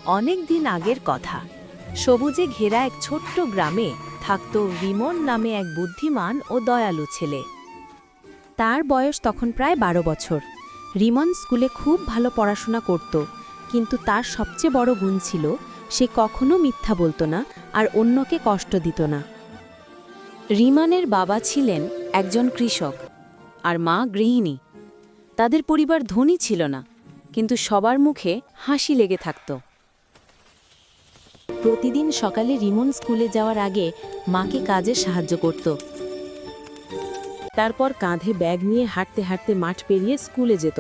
অনেক দিন আগের কথা। সবুজে ঘেরা এক ছোট্ট গ্রামে থাকত রিমন নামে এক বুদ্ধিমান ও দয়ালু ছেলে। তার বয়স তখন প্রায় 12 বছর। রিমন স্কুলে খুব ভালো পড়াশোনা করত, কিন্তু তার সবচেয়ে বড় গুণ ছিল সে কখনো মিথ্যা বলতো না আর অন্যকে কষ্ট দিত না। রিমনের বাবা ছিলেন একজন কৃষক আর মা গৃহিণী। তাদের পরিবার ধনী ছিল না, কিন্তু সবার মুখে হাসি লেগে থাকত। প্রতিদিন সকালে রিমন স্কুলে যাওয়ার আগে মাকে কাজে সাহায্য করত। তারপর কাঁধে ব্যাগ নিয়ে হাঁটতে হাঁটতে মাঠ পেরিয়ে স্কুলে যেত।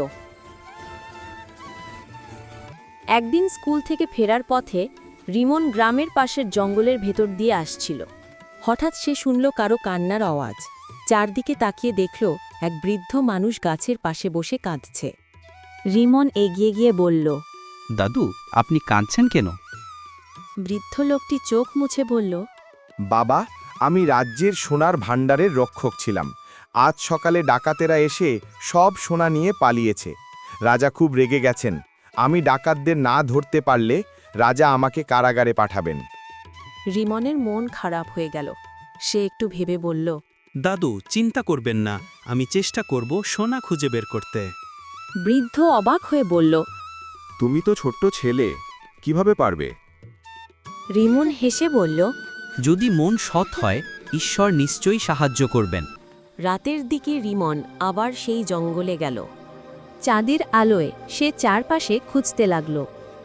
একদিন স্কুল থেকে ফেরার পথে রিমন গ্রামের পাশের জঙ্গলের ভেতর দিয়ে আসছিল। হঠাৎ সে শুনল কারো কান্নার আওয়াজ। চারদিকে তাকিয়ে দেখল এক বৃদ্ধ মানুষ গাছের পাশে বসে কাঁদছে। রিমন এগিয়ে গিয়ে বলল, দাদু, আপনি কাঁদছেন কেন? বৃদ্ধ লোকটি চোখ মুছে বলল, বাবা, আমি রাজ্যের সোনার ভাণ্ডারের রক্ষক ছিলাম। আজ সকালে ডাকাতেরা এসে সব সোনা নিয়ে পালিয়েছে। রাজা খুব রেগে গেছেন। আমি ডাকাতদের না ধরতে পারলে রাজা আমাকে কারাগারে পাঠাবেন। রিমনের মন খারাপ হয়ে গেল। সে একটু ভেবে বলল, দাদু, চিন্তা করবেন না, আমি চেষ্টা করব সোনা খুঁজে বের করতে। বৃদ্ধ অবাক হয়ে বলল, তুমি তো ছোট্ট ছেলে, কিভাবে পারবে? রিমন হেসে বলল, যদি মন সৎ হয়, ঈশ্বর নিশ্চয়ই সাহায্য করবেন। রাতের দিকে রিমন আবার সেই জঙ্গলে গেল। চাঁদের আলোয় সে চারপাশে খুঁজতে লাগল।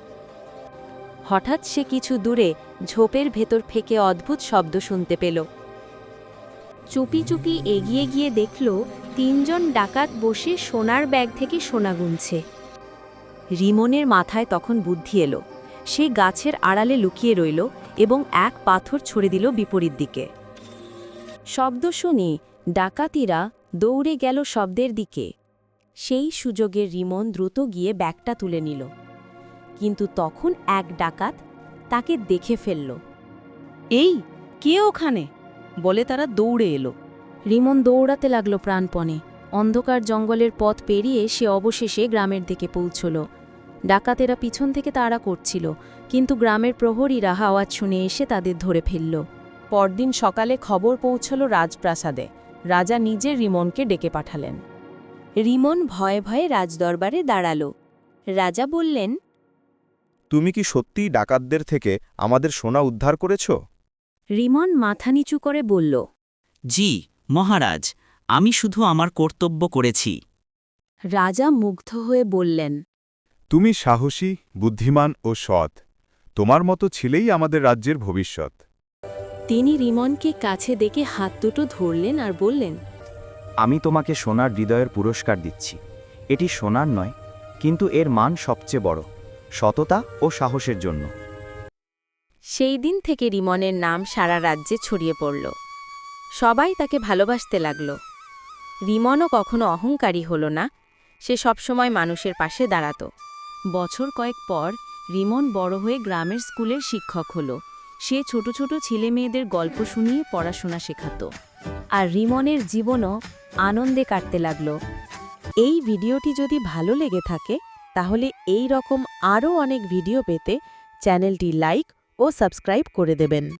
হঠাৎ সে কিছু দূরে ঝোপের ভেতর থেকে অদ্ভুত শব্দ শুনতে পেল। চুপি চুপি এগিয়ে গিয়ে দেখল 3 জন ডাকাত বসে সোনার ব্যাগ থেকে সোনা গুনছে। রিমনের মাথায় তখন বুদ্ধি এলো। সে গাছের আড়ালে লুকিয়ে রইল এবং এক পাথর ছুঁড়ে দিল বিপরীত দিকে। শব্দ শুনে ডাকাতিরা দৌড়ে গেল শব্দের দিকে। সেই সুযোগে রিমন দ্রুত গিয়ে ব্যাগটা তুলে নিল, কিন্তু তখন এক ডাকাত তাকে দেখে ফেলল। এই, কে ওখানে? বলে তারা দৌড়ে এলো। রিমন দৌড়াতে লাগলো প্রাণপণে। অন্ধকার জঙ্গলের পথ পেরিয়ে সে অবশেষে গ্রামের দিকে পৌঁছল। ডাকাতেরা পিছন থেকে তাড়া করছিল, কিন্তু গ্রামের প্রহরীরা আওয়াজ শুনে এসে তাদের ধরে ফেলল। পরদিন সকালে খবর পৌঁছল রাজপ্রাসাদে। রাজা নিজে রিমনকে ডেকে পাঠালেন। রিমন ভয়ে ভয়ে রাজদরবারে দাঁড়াল। রাজা বললেন, তুমি কি সত্যিই ডাকাতদের থেকে আমাদের সোনা উদ্ধার করেছ? রিমন মাথা নিচু করে বলল, জি মহারাজ, আমি শুধু আমার কর্তব্য করেছি। রাজা মুগ্ধ হয়ে বললেন, তুমি সাহসী, বুদ্ধিমান ও সৎ। তোমার মতো ছেলেই আমাদের রাজ্যের ভবিষ্যৎ। তিনি রিমনকে কাছে ডেকে হাত দুটো ধরলেন আর বললেন, আমি তোমাকে সোনার হৃদয়ের পুরস্কার দিচ্ছি। এটি সোনার নয়, কিন্তু এর মান সবচেয়ে বড়, সততা ও সাহসের জন্য। সেই দিন থেকে রিমনের নাম সারা রাজ্যে ছড়িয়ে পড়ল। সবাই তাকে ভালোবাসতে লাগল। রিমনও কখনো অহংকারী হল না। সে সবসময় মানুষের পাশে দাঁড়াত। বছর কয়েক পর রিমন বড় হয়ে গ্রামের স্কুলের শিক্ষক হল। সে ছোট ছোট ছেলেমেয়েদের গল্প শুনিয়ে পড়াশোনা শেখাত। আর রিমনের জীবনও আনন্দে কাটতে লাগল। এই ভিডিওটি যদি ভালো লেগে থাকে, তাহলে এই রকম আরও অনেক ভিডিও পেতে চ্যানেলটি লাইক ও সাবস্ক্রাইব করে দেবেন।